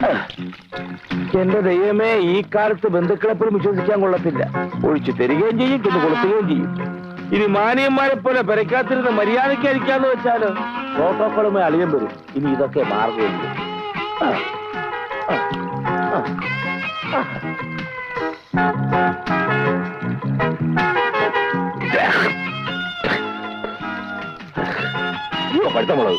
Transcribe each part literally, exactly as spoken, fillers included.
എന്റെ ദൈവമേ, ഈ കാലത്ത് ബന്ധുക്കളെ പോലും വിശ്വസിക്കാൻ കൊള്ളത്തില്ല. ഒഴിച്ചു തരികയും ചെയ്യും, പിന്നെ കൊടുക്കുകയും ചെയ്യും. ഇനി മാനിയന്മാരെ പോലെ പെരക്കാത്തിരുന്ന് മര്യാദയ്ക്കായിരിക്കാന്ന് വെച്ചാല് പ്രോട്ടോക്കോളുമായി അളിയം വരും. ഇനി ഇതൊക്കെ മാറുകയുള്ളൂ. പഴുത്ത മുളക്.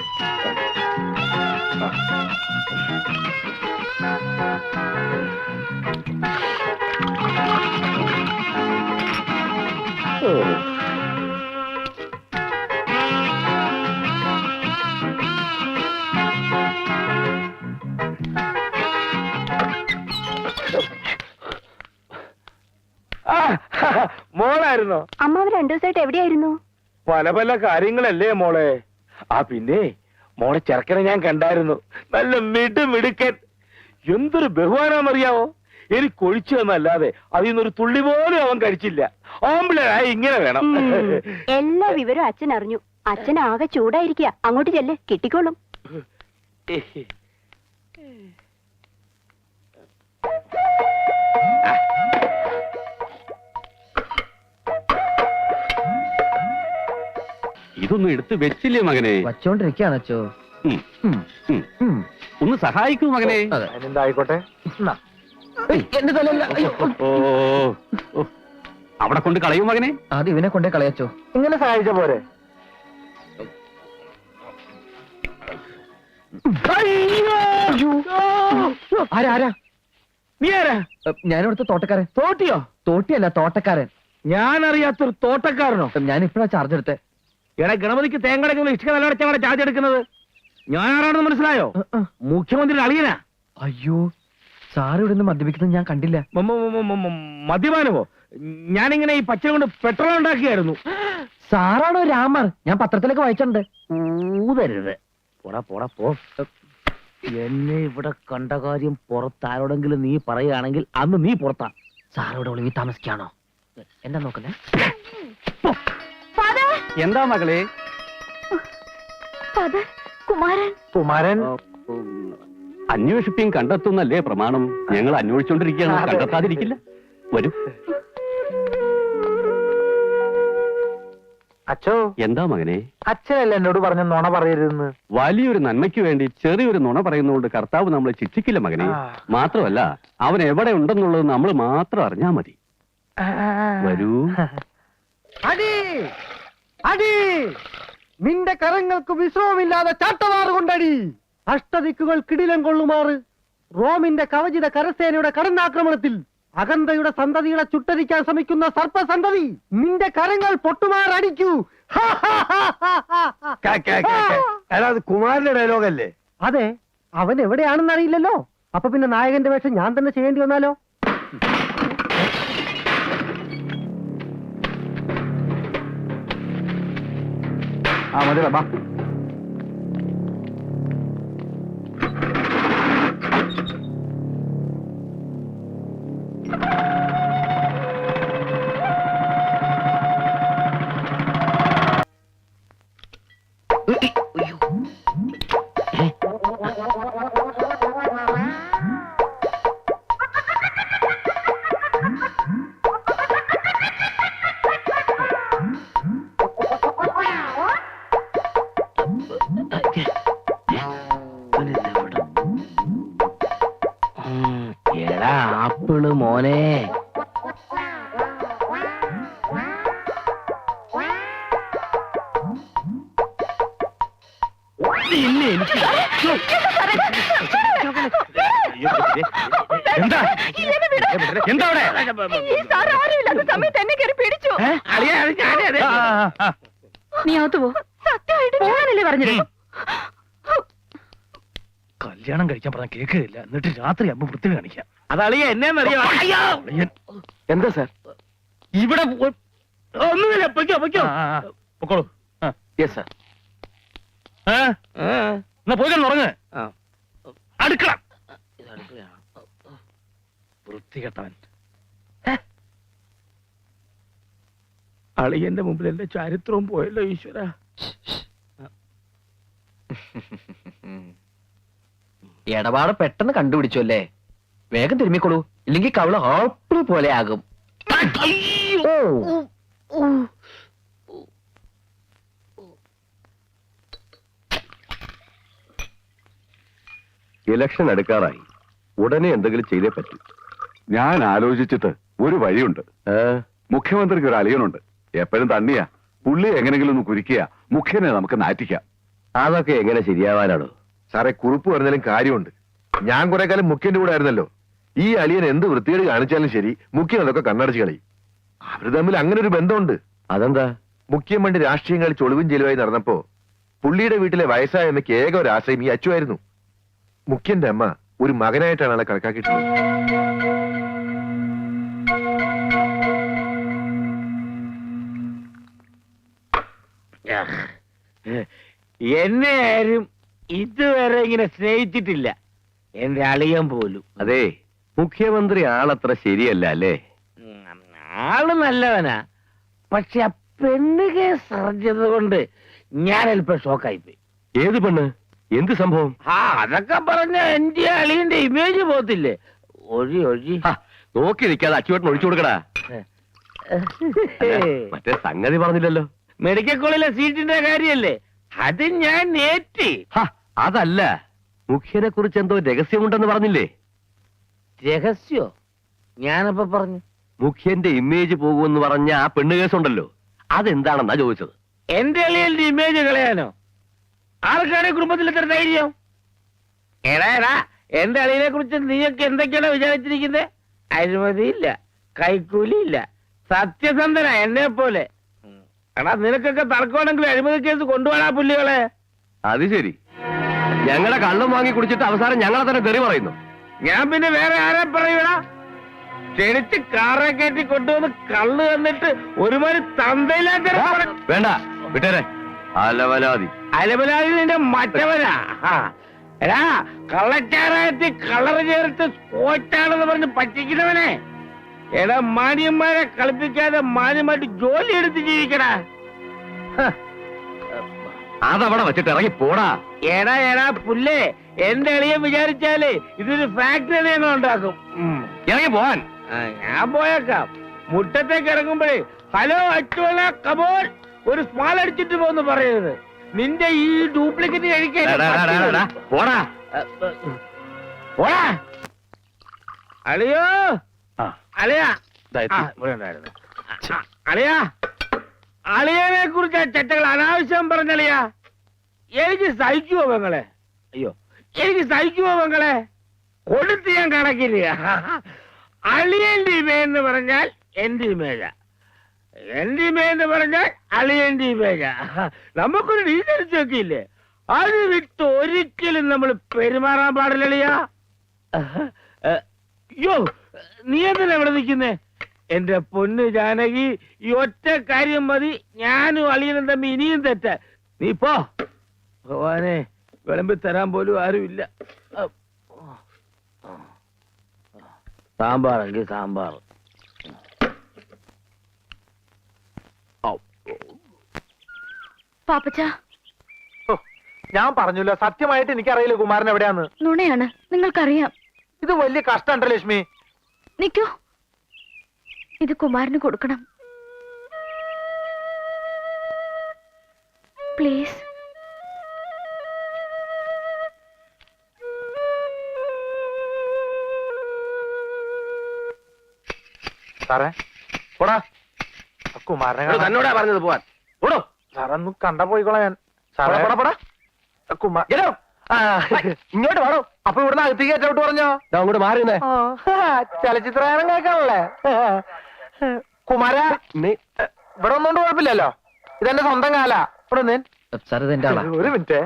മോളായിരുന്നോ? അമ്മാവ് രണ്ടു ദിവസമായിട്ട് എവിടെയായിരുന്നു? പല പല കാര്യങ്ങളല്ലേ മോളെ. ആ പിന്നെ മോളെ ചെറുക്കനെ ഞാൻ കണ്ടായിരുന്നു. നല്ല മിടു മിടുക്കൻ. എന്തൊരു ബഹുമാനാന്നറിയാവോ? എനിക്ക് ഒഴിച്ചു തന്നല്ലാതെ അതിൽ നിന്നൊരു തുള്ളി പോലും അവൻ കഴിച്ചില്ല. ആമ്പിളായി ഇങ്ങനെ വേണം. എല്ലാ വിവരവും അച്ഛൻ അറിഞ്ഞു. അച്ഛൻ ആകെ ചൂടായിരിക്കുക. അങ്ങോട്ട് ചെല്ല്, കിട്ടിക്കോളും. ഇതൊന്നും എടുത്ത് വെച്ചില്ലേ മകനെ? വച്ചോണ്ടിരിക്കാണോ? ഒന്ന് സഹായിക്കൂ മകനെ. എന്തായിക്കോട്ടെ. എന്റെ തലല്ല. ഓ, അവിടെ കൊണ്ട് കളയൂ മകനെ. ആദ്യം ഇവനെ കൊണ്ടേ കളയച്ചോ. ഇങ്ങനെ സഹായിച്ച പോരെ? ആരാ ആരാ? നീ ആരാ? ഞാനിവിടുത്തെ തോട്ടക്കാരൻ. തോട്ടിയോ? തോട്ടിയല്ല, തോട്ടക്കാരൻ. ഞാൻ അറിയാത്തൊരു തോട്ടക്കാരനോ? ഞാൻ ഇപ്പഴാ ചാർജ് എടുത്തേ. എടാ, ഗണപതിക്ക് തേങ്ങടക്കുന്ന ഇഷ്ട നിലവടച്ചാണ് ചാർജ് എടുക്കുന്നത്. ഞാൻ ആരാണെന്ന് മനസ്സിലായോ? മുഖ്യമന്ത്രി അളിയനാ. അയ്യോ, സാറ് ഇവിടെ നിന്ന് മദ്യപിക്കുന്നത് ഞാൻ കണ്ടില്ല. മദ്യപാനമോ? ഞാനിങ്ങനെ ഈ പച്ച കൊണ്ട് പെട്രോൾ ഉണ്ടാക്കിയായിരുന്നു. സാറാണോ രാമർ? ഞാൻ പത്രത്തിലൊക്കെ വായിച്ചിട്ടുണ്ട്. ഊതരുത്. പോടാ പോടാ പോ. എന്നെ ഇവിടെ കണ്ട കാര്യം പുറത്താരോടെങ്കിലും നീ പറയുകയാണെങ്കിൽ അന്ന് നീ പുറത്താ. സാറോട് ഒളിവി താമസിക്കാണോ? എന്താ നോക്കുന്നേ? എന്താ മകളെ? കുമാരൻ. കുമാരൻ അന്വേഷിപ്പിയും കണ്ടെത്തുന്നല്ലേ പ്രമാണം. ഞങ്ങൾ അന്വേഷിച്ചോണ്ടിരിക്കുകയാണ്, കണ്ടെത്താതിരിക്കില്ല. വരൂ. അച്ഛോ. എന്താ മകനെ? അച്ഛനല്ല എന്നോട് പറഞ്ഞ നുണ പറയരുതെന്ന്. വലിയൊരു നന്മയ്ക്ക് വേണ്ടി ചെറിയൊരു നുണ പറയുന്നതുകൊണ്ട് കർത്താവ് നമ്മളെ ശിക്ഷിക്കില്ല മകനെ. മാത്രമല്ല, അവൻ എവിടെ ഉണ്ടെന്നുള്ളത് നമ്മൾ മാത്രം അറിഞ്ഞാ മതി. വരൂ. അടി അടി, നിന്റെ കരങ്ങൾക്ക് വിശ്രമമില്ലാതെ ചാട്ടവാറ് കൊണ്ടടി. അഷ്ടദിക്കുകൾ കിടിലം കൊള്ളുമാറ് റോമിന്റെ കവചിത കരസേനയുടെ കടന്നാക്രമണത്തിൽ അകന്തയുടെ സന്തതികളെ ചുട്ടരിക്കാൻ ശ്രമിക്കുന്ന സർപ്പസന്തതി, നിന്റെ കരങ്ങൾ പൊട്ടുമാറടിക്കൂ. കുമാരന്റെ ഡയലോഗല്ലേ? അതെ, അവൻ എവിടെയാണെന്ന് അറിയില്ലല്ലോ. അപ്പൊ പിന്നെ നായകന്റെ വേഷം ഞാൻ തന്നെ ചെയ്യേണ്ടി വന്നാലോ? ആ മതിടാ, ബാ. എടാ ആപ്പിള് മോനെ, എന്താ എന്താ നീ അകത്ത് പോ. സത്യമായിട്ട് പറഞ്ഞത്. കല്യാണം കഴിക്കാൻ പറഞ്ഞ കേൾക്കില്ല. എന്നിട്ട് രാത്രി അമ്മ വൃത്തി കാണിക്കാം. അതളിയ എന്നെന്നറിയാം. എന്താ സാർ ഇവിടെ? ഒന്നുമില്ല, പൊയ്ക്കോ പൊയ്ക്കോ പൊക്കോളൂ. Yes sir. എന്നാ പോയി ഉറങ്ങ്. അടുക്കള വൃത്തികെട്ടവൻ. അളിയന്റെ മുമ്പിൽ എന്റെ ചരിത്രവും പോയല്ലോ ഈശ്വര. ഇടപാട് പെട്ടെന്ന് കണ്ടുപിടിച്ചു അല്ലേ? വേഗം തിരുമ്മിക്കൊള്ളൂ, ഇല്ലെങ്കിൽ കവള് ആപ്പിൾ പോലെ ആകും. ഇലക്ഷൻ എടുക്കാറായി, ഉടനെ എന്തെങ്കിലും ചെയ്തേ പറ്റൂ. ഞാൻ ആലോചിച്ചിട്ട് ഒരു വഴിയുണ്ട്. മുഖ്യമന്ത്രിക്ക് ഒരു അളിയനുണ്ട്, എപ്പോഴും തണ്ണിയാ. പുള്ളി എങ്ങനെങ്കിലും ഒന്ന് കുരിക്കുക, മുഖ്യനെ നമുക്ക് നാറ്റിക്കാം. അതൊക്കെ എങ്ങനെ ശരിയാവാനാണോ സാറേ? കുറിപ്പ് പറഞ്ഞാലും കാര്യമുണ്ട്. ഞാൻ കുറെ കാലം മുഖ്യന്റെ കൂടെ ആയിരുന്നല്ലോ. ഈ അളിയൻ എന്ത് വൃത്തികേട് കാണിച്ചാലും ശരി, മുഖ്യൻ അതൊക്കെ കണ്ണടച്ച് കളയും. അവര് തമ്മിൽ അങ്ങനെ ഒരു ബന്ധമുണ്ട്. അതെന്താ? മുഖ്യം വേണ്ടി രാഷ്ട്രീയം കളിച്ച് ഒളിവും ചെലവായി നടന്നപ്പോ പുള്ളിയുടെ വീട്ടിലെ വയസ്സായ അമ്മയ്ക്ക് ഏക ഒരു ആശയം ഈ അച്ചുവായിരുന്നു. മുഖ്യന്റെ അമ്മ ഒരു മകനായിട്ടാണ് ആളെ കണക്കാക്കിയിട്ടുള്ളത്. എന്നെ ആരും ഇതുവരെ ഇങ്ങനെ സ്നേഹിച്ചിട്ടില്ല, എന്റെ അളിയൻ പോലും. അതെ, മുഖ്യമന്ത്രി ആളത്ര ശരിയല്ല അല്ലേ? ഉം, ആള് നല്ലവനാ, പക്ഷെ ആ പെണ്ണ് കേസ് അറിഞ്ഞത് കൊണ്ട് ഞാൻ അല്പം ഷോക്കായിപ്പോയി. ഏത് പെണ്ണ്? എന്ത് സംഭവം? ആ അതൊക്കെ പറഞ്ഞ എന്റെ അളിയന്റെ ഇമേജ് പോത്തില്ലേ? ഒഴി ഒഴി ഹ, നോക്കി നിൽക്കാതെ അച്ചുവേട്ടൻ ഒഴിച്ചു കൊടുക്കടാ. മറ്റേ സംഗതി പറഞ്ഞില്ലല്ലോ. മെഡിക്കൽ കോളേജിലെ സീറ്റിന്റെ കാര്യല്ലേ, അത് ഞാൻ നേറ്റി. ഹ, അതല്ല, മുഖ്യനെ കുറിച്ച് എന്തോ രഹസ്യമുണ്ടെന്ന് പറഞ്ഞില്ലേ? രഹസ്യോ? ഞാനപ്പോ പറഞ്ഞു. മുഖ്യന്റെ ഇമേജ് പോകുമെന്ന് പറഞ്ഞ ആ പെണ്ണ് കേസുണ്ടല്ലോ, അതെന്താണെന്നാ ചോദിച്ചത്. എന്റെ അളിയന്റെ ഇമേജ് കളയാനോ? ആർക്കാണ് കുടുംബത്തിൽ ഇത്ര ധൈര്യം? എടാ എടാ, എന്റെ അളിയനെ കുറിച്ച് നീയൊക്കെ എന്തൊക്കെയാണ് വിചാരിച്ചിരിക്കുന്നത്? അഴിമതിയില്ല, കൈക്കൂലിയില്ല, സത്യസന്ധന എന്നെ പോലെ. എടാ, നിനക്കൊക്കെ തർക്കമാണെങ്കിൽ അഴിമതി കേസ് കൊണ്ടുപോകാ പുല്ലികളെ. അത് ശരി, ഞങ്ങളെ കള്ളും വാങ്ങി കുടിച്ചിട്ട് അവസാനം ഞങ്ങളെ തന്നെ തെറി പറയുന്നു. ഞാൻ പിന്നെ വേറെ ആരെ പറയൂടാ? ക്ഷണിച്ച് കാറെ കയറ്റി കൊണ്ടുവന്ന് കള്ള് തന്നിട്ട് ഒരുമാതിരി തന്തയില്ലാത്ത വേണ്ട, വിട്ടേരെ. അലവലാതി അലബലാതി നിന്റെ മറ്റവനാ. ആ, എടാ, കള്ളച്ചാറായത്തി കളർ ചേർത്ത് സ്കോച്ചാണെന്ന് പറഞ്ഞ് പറ്റിക്കുന്നവനെ. എടാ, മാന്യന്മാരെ കളിപ്പിക്കാതെ മാന്യമായിട്ട് ജോലി എടുത്ത് ജീവിക്കടാ. അതവിടെ വെച്ചിട്ട് ഇറങ്ങി പോടാ. എടാ എടാ പുല്ലേ, എന്റെ എളിയൻ വിചാരിച്ചാലേ ഇതൊരു ഫാക്ടറി ഞങ്ങൾ ഉണ്ടാക്കും. ഉം. ഇറങ്ങി പോവാൻ. ആ, ഞാൻ പോയേക്കാം. മുറ്റത്തേക്ക് ഇറങ്ങുമ്പോഴേ ഹലോ അച്ചുവല കമോൺ ഒരു സ്മാൾ അടിച്ചിട്ട് പോന്ന് പറയരുത്. നിന്റെ ഈ ഡ്യൂപ്ലിക്കേറ്റ് കഴിക്കാൻ ഡാ, ഡാ, ഡാ, ഡാ, ഡാ, പോടാ. പോടാ. അളിയോ ആ, അളിയാ. ദാ എത്തി. ആ, ഇവിടെ ഉണ്ടായിരുന്നു. ആ, അളിയാ, അളിയനെ കുറിച്ച് ആ ചെറ്റകൾ അനാവശ്യം പറഞ്ഞളിയാ. എനിക്ക് സഹിക്കുവോ പെങ്ങളെ? അയ്യോ, എനിക്ക് സഹിക്കുവോ പെങ്ങളെ? കൊടുത്ത് ഞാൻ കണക്കില്ല. അളിയന്റെ ഇമേജ് എന്ന് പറഞ്ഞാൽ എന്റെ ഇമേജ, എന്റെ ഇമേജ് എന്ന് പറഞ്ഞാൽ അളിയന്റെ ഇമേജ. നമുക്കൊരു ഡീസൻസി ഇല്ലേ? അത് വിട്ട് ഒരിക്കലും നമ്മൾ പെരുമാറാൻ പാടില്ലളിയാ. അയ്യോ, നീ എന്തിനാ ഇവിടെ നിൽക്കുന്നേ? എന്റെ പൊന്ന് ജാനകി, ഈ ഒറ്റ കാര്യം മതി ഞാനും അളിയനും തമ്മി ഇനിയും തെറ്റ. നീ പോ. ഭഗവാനെ, വിളമ്പി തരാൻ പോലും ആരുമില്ല. സാമ്പാറെങ്കിൽ സാമ്പാർ. പാപ്പച്ച, ഞാൻ പറഞ്ഞല്ലോ, സത്യമായിട്ട് എനിക്കറിയില്ല കുമാരൻ എവിടെയാന്ന്. നുണയാണ്, നിങ്ങൾക്കറിയാം. ഇത് വലിയ കഷ്ടമുണ്ടോ ലക്ഷ്മി? നിക്കൂ, ഇത് കുമാരന് കൊടുക്കണം പ്ലീസ്. സാറേ പോടാ, കുമാരനെ കാണാൻ. തന്നോടാ പറഞ്ഞത് പോവാൻ. ഓടോ. സാറൊന്നും കണ്ട പോയിക്കോളാം ഞാൻ. സാറേ കുമാർ ഇങ്ങോട്ട് വേണോ? അപ്പൊ ഇവിടുന്ന് അകത്തേക്ക് ഏറ്റോട്ട് പറഞ്ഞോ? അങ്ങോട്ട് മാറിയുന്നേ. ചലച്ചിത്രഗാനം കേൾക്കാണല്ലേ കുമാര? ഇവിടെ ഒന്നുകൊണ്ട് കുഴപ്പമില്ലല്ലോ, ഇതെന്റെ സ്വന്തം കാല. ഇവിടെ നിന്ന് സാർ, ഇതെന്റെ ആളാ. ഒരു മിനിറ്റ്.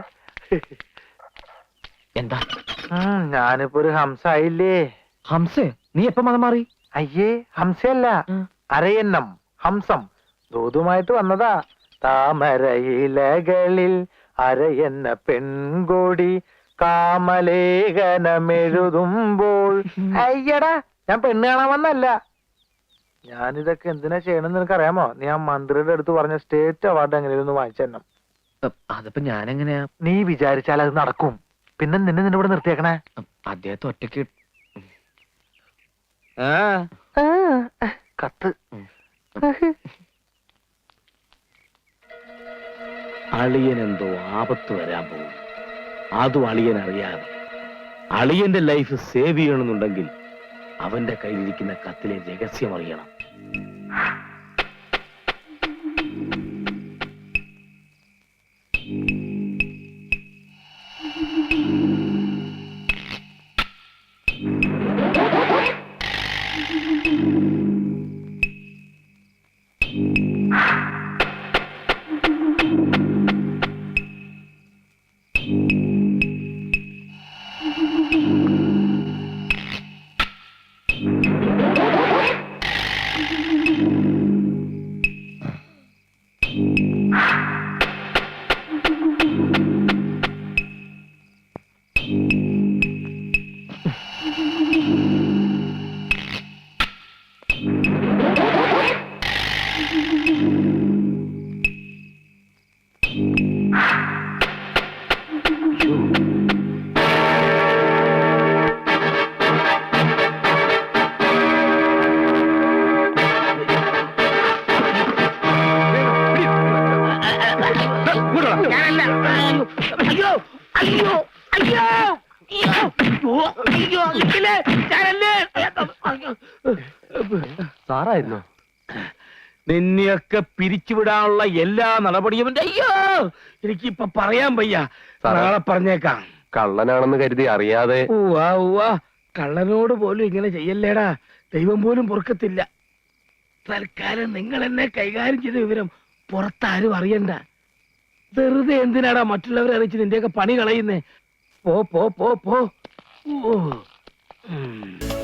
എന്താ? ഞാനിപ്പോ ഒരു ഹംസ ആയില്ലേ? ഹംസേ, നീ എപ്പോ മതം മാറി? അയ്യേ, ഹംസയല്ല, അരയന്നം, ഹംസം. ദൂതുമായിട്ട് വന്നതാ. താമരയിലകളിൽ അരയെന്ന പെൺകൊടി കാമലേഖനമെഴുതുമ്പോൾ. അയ്യടാ, ഞാൻ പെണ്ണ് കാണാൻ വന്നല്ല. ഞാനിതൊക്കെ എന്തിനാ ചെയ്യണമെന്ന് നിനക്കറിയാമോ? നീ ആ മന്ത്രിയുടെ അടുത്ത് പറഞ്ഞ സ്റ്റേറ്റ് അവാർഡ് എങ്ങനെയൊന്ന് വാങ്ങിച്ചു തരണം. അതിപ്പോ ഞാനെങ്ങനെയാ? നീ വിചാരിച്ചാൽ അത് നടക്കും. പിന്നെ നിന്നെ നിന്നെ ഇവിടെ നിർത്തിയേക്കണേ? അദ്ദേഹത്തെ ഒറ്റയ്ക്ക് കത്ത്. അളിയനെന്തോ ആപത്ത് വരാൻ പോകും. അതും അളിയൻ അറിയാതെ. അളിയന്റെ ലൈഫ് സേവ് ചെയ്യണമെന്നുണ്ടെങ്കിൽ അവന്റെ കയ്യിലിരിക്കുന്ന കത്തിലെ രഹസ്യം അറിയണം. സാറായിരുന്നോ? നിന്നെയൊക്കെ പിരിച്ചുവിടാനുള്ള എല്ലാ നടപടിയും എന്റെ- അയ്യോ എനിക്കിപ്പൊ പറയാൻ വയ്യ. നാളെ പറഞ്ഞേക്കാം. കള്ളനാണെന്ന് കരുതി അറിയാതെ. ഉവ്വാ ഉവ്വാ കള്ളനോട് പോലും ഇങ്ങനെ ചെയ്യല്ലേടാ. ദൈവം പോലും പൊറുക്കത്തില്ല. തൽക്കാലം നിങ്ങൾ എന്നെ കൈകാര്യം ചെയ്ത വിവരം പുറത്താരും അറിയണ്ട. വെറുതെ എന്തിനാടാ മറ്റുള്ളവരെ അറിയിച്ച് നിന്റെയൊക്കെ പണി കളയുന്നേ? പോ പോ പോ പോ. ഓ ഉം.